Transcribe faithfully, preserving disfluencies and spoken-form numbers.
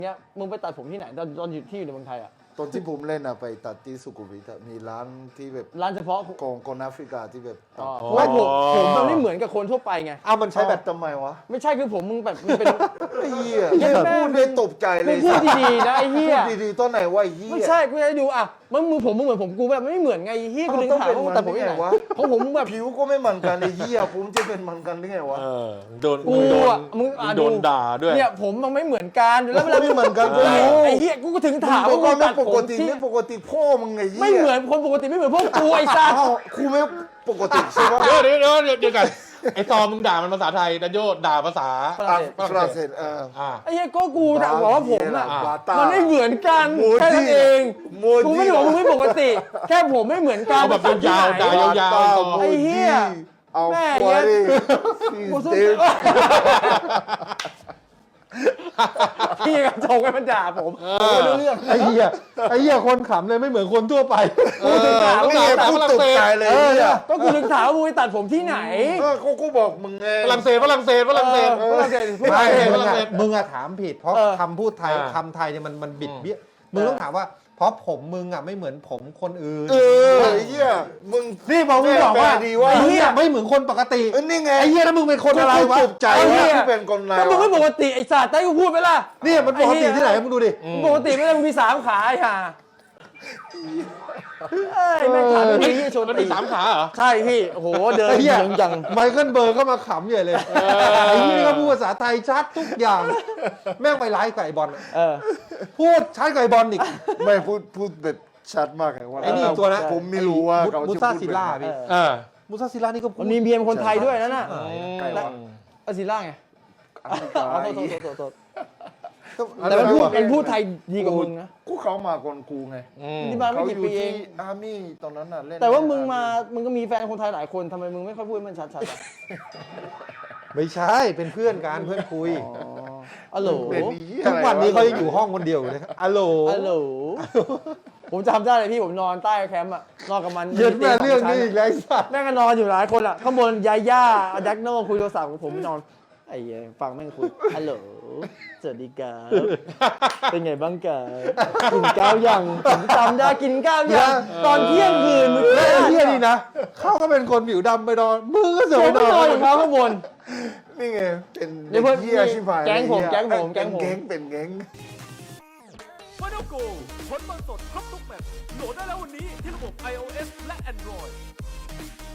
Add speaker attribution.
Speaker 1: เนี้ยมึงไปตัดผมที่ไหนตอนตอนอยู่ที่อยู่ในเมืองไทยอ่ะ
Speaker 2: ตอนที่ผมเล่นอะไปตัดที่สุขุมวิทมีร้านที่แบบ
Speaker 1: ร้านเฉพาะ
Speaker 2: ของคนแอฟริกาที่แบบ
Speaker 1: อ๋อเพราะว่าผมผมมันไม่เหมือนกับคนทั่วไปไง
Speaker 3: อ้าวมันใช้
Speaker 2: ใช้
Speaker 3: แบ
Speaker 2: แบบ บทำไมวะ
Speaker 1: ไม่ใช่คือผมมึงแบบมันเป็น
Speaker 2: ไอ้เหี้ย
Speaker 1: เหี้ยแม่ง
Speaker 2: พูดได้ตกใจเล
Speaker 1: มึ
Speaker 2: ย
Speaker 1: งพูดดีๆนะไอ้เหี้ย
Speaker 2: พูดดีๆตอนไหนวะไอ้เหี้ย
Speaker 1: ไม่ใช่กูจะให้ดูอ่ะมันมือผมมึงเหมือนผมกูแบบไม่เหมือนไงไอ้เหี้ยกู
Speaker 2: อ้าว
Speaker 1: ถึง
Speaker 2: ต้อง
Speaker 1: ถาม
Speaker 2: เป็น
Speaker 1: ว่ามึงตัดผมที่ไหน
Speaker 2: มันได้ไงวะ
Speaker 1: ของผมแบบ
Speaker 2: ผิวก็ไม่เหมือนกันไอ้เหี้ยผมจะเป็นเหมือนกันได้ไงวะ
Speaker 3: เออโดน
Speaker 1: กู
Speaker 3: โดน
Speaker 1: อ่ะมึงอ่ะ
Speaker 3: โดนด่าด้วย
Speaker 1: เนี่ยผมมันไม่เหมือนกันแล้วเวลา
Speaker 2: ไม่เหมือนกันก็
Speaker 1: ไอ้
Speaker 2: รู้
Speaker 1: ไอ้เหี้ยกูก็ถึงถาม
Speaker 2: มึ
Speaker 1: ว่าง
Speaker 2: ก็
Speaker 1: มึง
Speaker 2: ไม่
Speaker 1: ตัด
Speaker 2: ป
Speaker 1: ผ
Speaker 2: ก
Speaker 1: ม
Speaker 2: ติ
Speaker 1: ที่
Speaker 2: ไม่ปกติพ่อมึงไงเหี้ย
Speaker 1: ไม่เหมือนคนปกติไม่เหมือนพวกกูไอ้สัส
Speaker 2: อ้าวกูไม่ปกติใช่ปะ
Speaker 3: เดี๋ยวเดี๋ยวเดี๋ยวเดี๋ยวเดี๋ยวกันไอ้ตอมึงด่ามันภาษาไทยดันโยด่าภาษา
Speaker 2: อ่ะฝรั่งเศสเออ
Speaker 3: อ่า
Speaker 1: ไอ้เหี้ยก็กูแต่บอกว่าผมอ่ะ
Speaker 2: บาตา
Speaker 1: มันไม่เหมือนกัน
Speaker 2: โมจิ
Speaker 1: แค่นั้นเอง
Speaker 2: โมจิ
Speaker 1: กูไม่ได้บอกมึงไม่ปกติ แค่ผมไม่เหมือนกัน
Speaker 3: เอาแบบยาวๆด่ายาว
Speaker 1: ไอ้เหี้ย
Speaker 2: เอา
Speaker 1: แม่
Speaker 2: ควาย
Speaker 1: กูสู้
Speaker 2: เต็ม
Speaker 1: พี่กระจกให้มันด่าผมผมไม่รู้เรื่อง
Speaker 3: ไอ้เหี้ยไอ้เหี้ยคนขำเลยไม่เหมือนคนทั่วไป
Speaker 1: กูถึงถาม
Speaker 2: ไม่
Speaker 1: ว่า
Speaker 2: เห็นพูดตกใจเลย
Speaker 1: เออ
Speaker 2: เนี่ย
Speaker 1: ก็กูถึงถามว่ามึงไปตัดผมที่ไหน
Speaker 2: เออเขาก็บอกมึงไง
Speaker 3: ฝรั่งเศสฝรั่งเศสฝรั่งเศส
Speaker 1: เออฝรั่งเศสฝ
Speaker 3: ไม่
Speaker 1: รั่งเศส
Speaker 3: มึ
Speaker 1: ฝ
Speaker 3: ง
Speaker 1: รั่ง
Speaker 3: อะ
Speaker 1: เศส
Speaker 3: มึงอะถามผิดเพราะ
Speaker 1: เออ
Speaker 3: คำพูดไทยอ่าคำไทยเนี่ยมันมันบิดเบี้ยมึงต้องถามว่า เพราะผมมึงอะไม่เหมือนผมคนอื่น
Speaker 2: เออไอ้เหี้ยมึง
Speaker 3: นี่พอมึงบอกว่า
Speaker 2: แปลดีว่า
Speaker 3: ไอ้เหี้ยไม่เหมือนคนปกติ
Speaker 2: เออนี่ไง
Speaker 3: ไอ้เหี้ยแล้วมึงเป็นคนอะไรวะ
Speaker 2: ตกใจ
Speaker 1: ไอ้เหี้
Speaker 2: ว่าย ที่เป็นคนอะไร
Speaker 1: ก็มึงไม่ป
Speaker 2: วะ
Speaker 1: กติไอ้สัตว์ได้กูพูดไปล่ะ
Speaker 3: เนี่ยมันปกติที่ไหนมึงดูดิ
Speaker 1: มึงปกติไม่ได้มึงมีสามขาไอ้ห่าเอ้ยแม่งขาไม่ดีที่ชน
Speaker 3: มัน
Speaker 1: ตี
Speaker 3: มีสามขาเหรอ
Speaker 1: ใช่พี่โอ้โหเดิน
Speaker 3: ไอ้เหี้ย
Speaker 1: ยังยัง
Speaker 3: ไมเคิลเบิร์กก็มาขำใหญ่เลยไอ้เหี้ยนี่ก็พูดภาษาไทยชัดทุกอย่าง แม่งไปไลฟ์กับไอ้บอลอะ
Speaker 1: เออ
Speaker 3: พูดชัดกับไอ้บอลอีก
Speaker 2: ไม่พูดพูดแบบชัดมากเลยว่า
Speaker 3: ไอ้นี่ตัวนะ
Speaker 2: ผมไม่รู้ว่าเขา
Speaker 3: มุ
Speaker 2: จะ
Speaker 3: ซ่า
Speaker 2: พูด
Speaker 3: ซิ
Speaker 2: แบบ
Speaker 3: ล่า
Speaker 2: ไหน
Speaker 3: พี่
Speaker 1: เออ
Speaker 3: มุซ่าซิล่านี่ก็พู
Speaker 1: มั
Speaker 3: ด
Speaker 1: นมีเมียเป็นคนไทยด้วยนั่นน่ะ
Speaker 2: ใกล้ว่ะ
Speaker 1: อาซิล่าไง
Speaker 2: อเมริกา
Speaker 1: อ๋อโทษโทษโทษโทษ
Speaker 2: อะไร
Speaker 1: แต่มันพูด
Speaker 2: วะ
Speaker 1: มันพูดไทยดีกว่ามึงนะ
Speaker 2: กูเขามาก่อนกูไง
Speaker 1: นี่มาไม่
Speaker 2: เขา
Speaker 1: กี่
Speaker 2: อยู่
Speaker 1: ปีเอ
Speaker 2: ที่
Speaker 1: ง
Speaker 2: อาร์มี่ตอนนั้นน่ะเล่น
Speaker 1: แต่ว่ามึงมา มึงก็มีแฟนคนไทยหลายคนทำไมมึงไม่ค่อยพูดให้มันชัดๆอะ
Speaker 3: ไม่ใช่เป็นเพื่อนกันเพื่อนคุย
Speaker 1: อ๋ออ๋อโหล
Speaker 2: เป็นเหี้ย
Speaker 3: ทุกวันนี้
Speaker 2: อะไร
Speaker 3: เขายังอยู่ห้องคนเดียวอยู่เลยอัลโหล
Speaker 1: อ๋อโหลผมจำได้เลยพี่ผมนอนใต้แคมป์อะนอนกับมัน
Speaker 3: เย็นแม่เรื่องนี้อีกแล้วไอ้สัส
Speaker 1: แม่งก็นอนอยู่หลายคนอะข้างบนยาย่าดักโน่คุยโทรศัพท์ผมนอนไอ้เหี้ยฟังแม่งคุยฮัลโหลสวัสดีครับเป็นไงบ้างกันกินข้าวยังผมจำได้กินข้าวยังตอนเที่ยงคืนมึง
Speaker 3: และไอ้เหี้ยนี่นะเขาก็เป็นคนผิวดำไปนอนมึงก็เสื
Speaker 1: เดี๋
Speaker 3: อ
Speaker 1: ยว
Speaker 3: ไป
Speaker 1: ก็
Speaker 3: น
Speaker 1: น
Speaker 3: อ
Speaker 1: อน
Speaker 3: น
Speaker 1: อยู่เขาข้างบน
Speaker 2: นี่ไงเป็น
Speaker 1: เดี๋ยวเพิ่ม
Speaker 2: เหี้ยชิบหาย
Speaker 1: แก๊งผม
Speaker 2: เหี้ย
Speaker 1: แก๊งผมแก๊งผม
Speaker 2: เป็นแก๊งเป็นแก๊ง
Speaker 4: ฟ i น a l Go ผลบอลสดครบทุกแมตช์โหลดได้แล้ววันนี้ที่ระบบ iOS และ Android